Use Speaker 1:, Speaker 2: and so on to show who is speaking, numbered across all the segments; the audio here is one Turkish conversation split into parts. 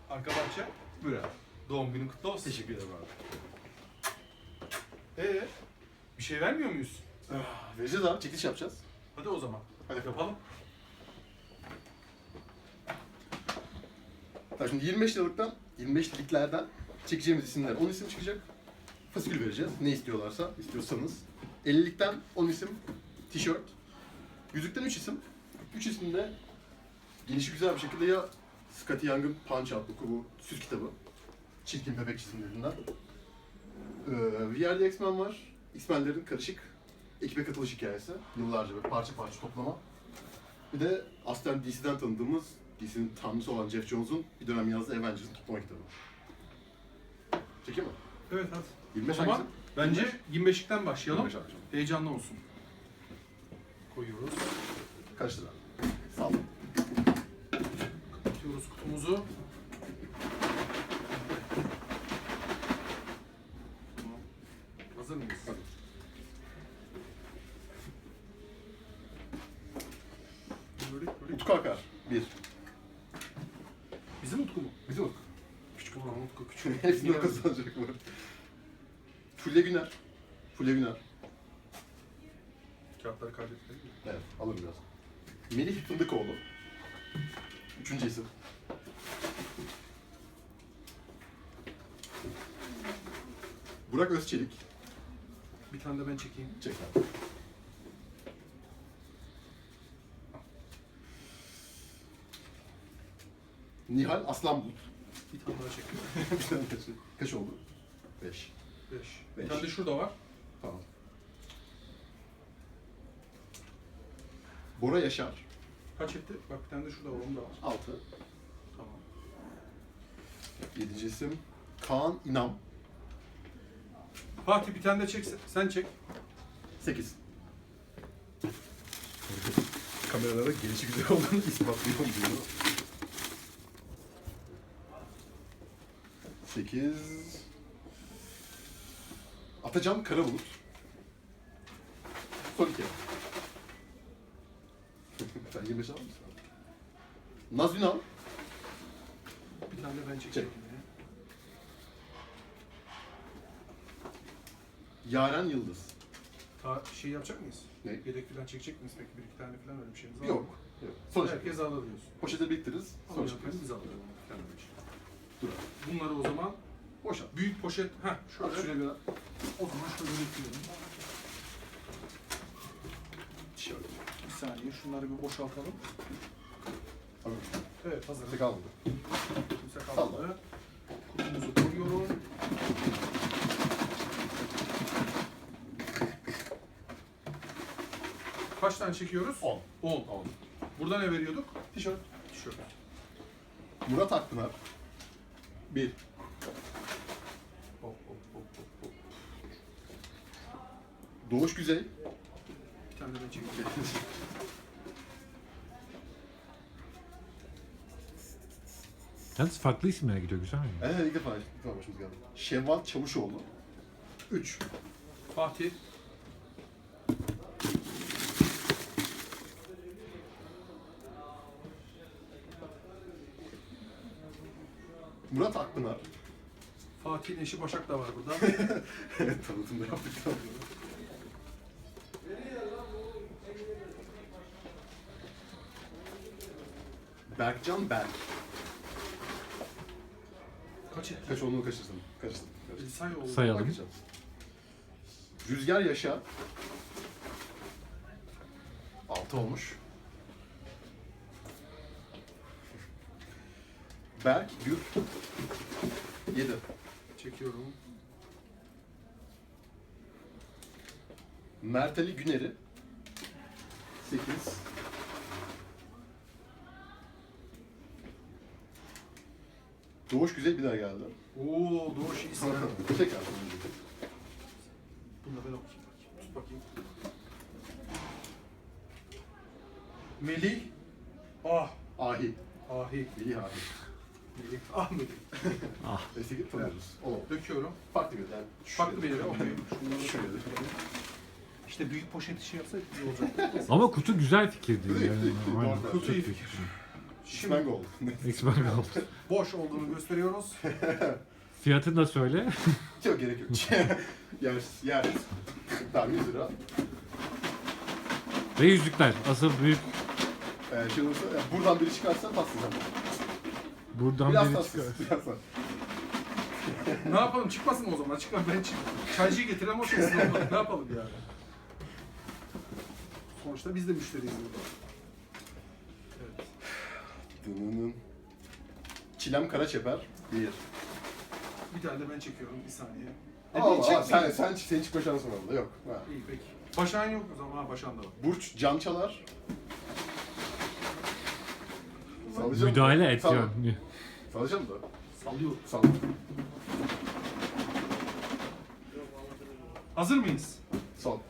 Speaker 1: Arka bahçe.
Speaker 2: Buyur abi.
Speaker 1: Doğum günün kutlu olsun.
Speaker 2: Teşekkür ederim abi.
Speaker 1: Bir şey vermiyor muyuz?
Speaker 2: Vereceğiz abi. Çekiliş yapacağız.
Speaker 1: Hadi o zaman.
Speaker 2: Hadi.
Speaker 1: Yapalım.
Speaker 2: Tamam, şimdi 25 liriklerden çekeceğimiz isimler 10 isim çıkacak. Fasikül vereceğiz. Ne istiyorsanız. 50'likten 10 isim tişört. Yüzükten 3 isim. 3 isim de gelişi güzel bir şekilde ya Scotty Young'ın Punch adlı bu süs kitabı. Çirkin bebek çizimlerinden. Bir yerde X-Men var. X-Men'lerin karışık ekibe katılış hikayesi. Yıllarca böyle parça parça toplama. Bir de aslen DC'den tanıdığımız, DC'nin tanrısı olan Jeff Jones'un bir dönem yazdığı Avengers'ın toplama kitabı. Çekeyim mi?
Speaker 1: Evet hadi.
Speaker 2: 25
Speaker 1: o zaman
Speaker 2: hangisi?
Speaker 1: bence 25'likten başlayalım.
Speaker 2: 25 alacağım.
Speaker 1: Heyecanlı olsun. Koyuyoruz.
Speaker 2: Kaç lira? Sağ ol.
Speaker 1: Kapatıyoruz kutumuzu. Tamam. Hazır mıyız?
Speaker 2: Hadi.
Speaker 1: Böyle.
Speaker 2: Utku Akar. 1.
Speaker 1: Bizim Utku mu?
Speaker 2: Bizim Utku.
Speaker 1: Küçük olan Utku küçük.
Speaker 2: Hepsini o kazanacak mı? Fulya Güner. Fulya Güner.
Speaker 1: Kağıtları kaybetmedik mi?
Speaker 2: Evet, alırım biraz. Melih Fındıkoğlu. 3. isim. Burak Özçelik.
Speaker 1: Bir tane de ben çekeyim.
Speaker 2: Çek abi. Nihal Aslanbulut.
Speaker 1: Bir tane daha çekiyorum.
Speaker 2: Bir tane kaç, kaç oldu? 5.
Speaker 1: 5. Bir
Speaker 2: Beş.
Speaker 1: tane de şurada var.
Speaker 2: Tamam. Bora Yaşar.
Speaker 1: Kaç etti? Bak bir tane de şurada var. Onu da var.
Speaker 2: 6.
Speaker 1: Tamam.
Speaker 2: 7. isim Kaan İnam.
Speaker 1: Fatih bir tane de çek. Sen çek.
Speaker 2: 8. Kameralara gelişi güzel olduğunu ispatlıyorum diyor. 8. Atacan Karabulut. Son 2. Sen 25 alır mısın? Naz Ünal.
Speaker 1: Bir tane de ben çekeceğim.
Speaker 2: Yaren Yıldız.
Speaker 1: Şey yapacak mıyız?
Speaker 2: Ne?
Speaker 1: Yedek falan çekecek miyiz peki? Bir iki tane falan öyle bir şeyimiz var mı?
Speaker 2: Yok. Yok. Sonra
Speaker 1: Herkes alır diyorsun.
Speaker 2: poşete biriktiririz. Sonra
Speaker 1: Sonra
Speaker 2: çekeriz.
Speaker 1: biz alırız. Yani bir şey.
Speaker 2: Dur.
Speaker 1: Bunları o zaman
Speaker 2: Boşalt.
Speaker 1: büyük poşet, şöyle.
Speaker 2: Şöyle bir
Speaker 1: O zaman şöyle bekliyorum.
Speaker 2: tişört.
Speaker 1: Bir saniye şunları bir boşaltalım.
Speaker 2: Tamam.
Speaker 1: Evet hazır.
Speaker 2: Tek almadı.
Speaker 1: Kimse kalmadı. Kutumuzu koyuyorum. Kaç tane çekiyoruz?
Speaker 2: 10.
Speaker 1: 10.
Speaker 2: 10.
Speaker 1: Burada ne veriyorduk?
Speaker 2: Tişört.
Speaker 1: Tişört.
Speaker 2: Murat Akpınar. 1.
Speaker 1: Hop hop hop hop hop.
Speaker 2: Doğuş Güzey.
Speaker 1: Bir tane de ben çekeceğim.
Speaker 3: Yalnız farklı isimlere gidiyor, güzel mi?
Speaker 2: İlk defa başımız geldi. Şevval Çavuşoğlu. 3.
Speaker 1: Fatih.
Speaker 2: Murat Akpınar.
Speaker 1: Fatih'in eşi Başak da var burada.
Speaker 2: Evet, tanıtımda yaptık. Berkcan Berk.
Speaker 1: Kaç etti?
Speaker 2: Kaç olduğunu kaçırsın? Kaçtım.
Speaker 1: Say oldu.
Speaker 3: Sayalım.
Speaker 2: Bakacağım. Rüzgar Yaşa. 6 olmuş. Berk Gür. 7.
Speaker 1: Çekiyorum.
Speaker 2: Mert Ali Güner'i. 8. Doğuş Güzel bir daha geldi.
Speaker 1: Oo Doğuş iyisin. ha.
Speaker 2: Tekrar.
Speaker 1: Bunu da ben okuyayım. Tut bakayım. Melih.
Speaker 2: Ahi.
Speaker 1: Ahi.
Speaker 2: Melih Ahi.
Speaker 1: Melih. Melih.
Speaker 2: Eski gibi tanıyoruz. O.
Speaker 1: Döküyorum.
Speaker 2: Farklı bir yani.
Speaker 1: Farklı bir yere. Okey.
Speaker 2: Şöyle.
Speaker 1: İşte büyük poşet işi yapsaydık iyi olacak.
Speaker 3: Ama kutu güzel fikirdi.
Speaker 2: Değil mi?
Speaker 3: Yani.
Speaker 2: Değil mi?
Speaker 3: Aynen.
Speaker 2: Doğru.
Speaker 1: Kutu iyi
Speaker 3: Çok
Speaker 1: fikir.
Speaker 2: X-Men Gold.
Speaker 3: X-Men Gold.
Speaker 1: Boş olduğunu gösteriyoruz.
Speaker 3: Fiyatını da söyle.
Speaker 2: Yok gerek yok. Yer. Tamam 100 lira.
Speaker 3: Ve yüzükler. Asıl büyük.
Speaker 2: Şey olursa, buradan biri çıkarsa paslayacağım.
Speaker 3: Buradan
Speaker 2: Biraz
Speaker 3: biri
Speaker 2: tatsız.
Speaker 3: çıkıyor.
Speaker 2: Biraz tatsız.
Speaker 1: Ne yapalım? Çıkmasın mı o zaman? Çıkma ben çık. Çaycıyı getiren o şekilde olmadı. Ne yapalım yani? Sonuçta biz de müşteriyiz burada. Evet.
Speaker 2: Dınının. Çilem Karaçeper 1.
Speaker 1: Bir tane de ben çekiyorum. Bir saniye.
Speaker 2: Aa, sen çıkma şansın oldu. Yok. Ha.
Speaker 1: İyi peki. Başak'ın yok o zaman. Ha Başak'ın da var.
Speaker 2: Burç Can Çalar. Sallayacağım
Speaker 3: Müdahale
Speaker 2: mı?
Speaker 3: et
Speaker 2: Salla.
Speaker 3: ya.
Speaker 2: Sallayacağım da.
Speaker 1: Sallıyor.
Speaker 2: Salla.
Speaker 1: Hazır mıyız?
Speaker 2: Son.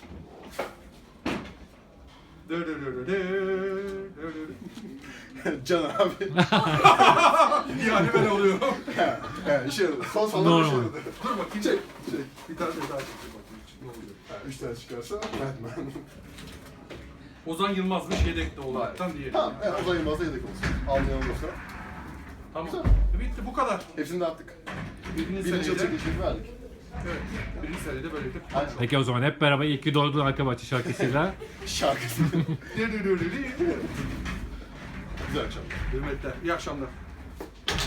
Speaker 2: Can abi.
Speaker 1: Yani ben oluyorum.
Speaker 2: Şey oldu. Son sallama bir şey
Speaker 3: Normal.
Speaker 2: oldu.
Speaker 1: Dur bakayım.
Speaker 2: Çek.
Speaker 1: Bir tane daha çekeyim bakayım. Ne oluyor?
Speaker 2: 3 tane çıkarsa Batman.
Speaker 1: Ozan Yılmaz'mış yedekte olaraktan diyelim.
Speaker 2: Tamam. Ozan Yılmaz'a yedek olsun. Almayan olursa.
Speaker 1: Tamam.
Speaker 2: Güzel.
Speaker 1: Bitti bu kadar.
Speaker 2: Hepsini dağıttık.
Speaker 1: Birinci
Speaker 2: Birinci yıl
Speaker 1: seride.
Speaker 2: çekilişini verdik.
Speaker 1: Evet. Birinci seride böylelikle.
Speaker 2: Aynen.
Speaker 3: Peki o zaman hep beraber iyi ki doğdun arka bahçe şarkısıyla.
Speaker 2: Şarkısı. Güzel akşam.
Speaker 1: Hürmetler. İyi akşamlar.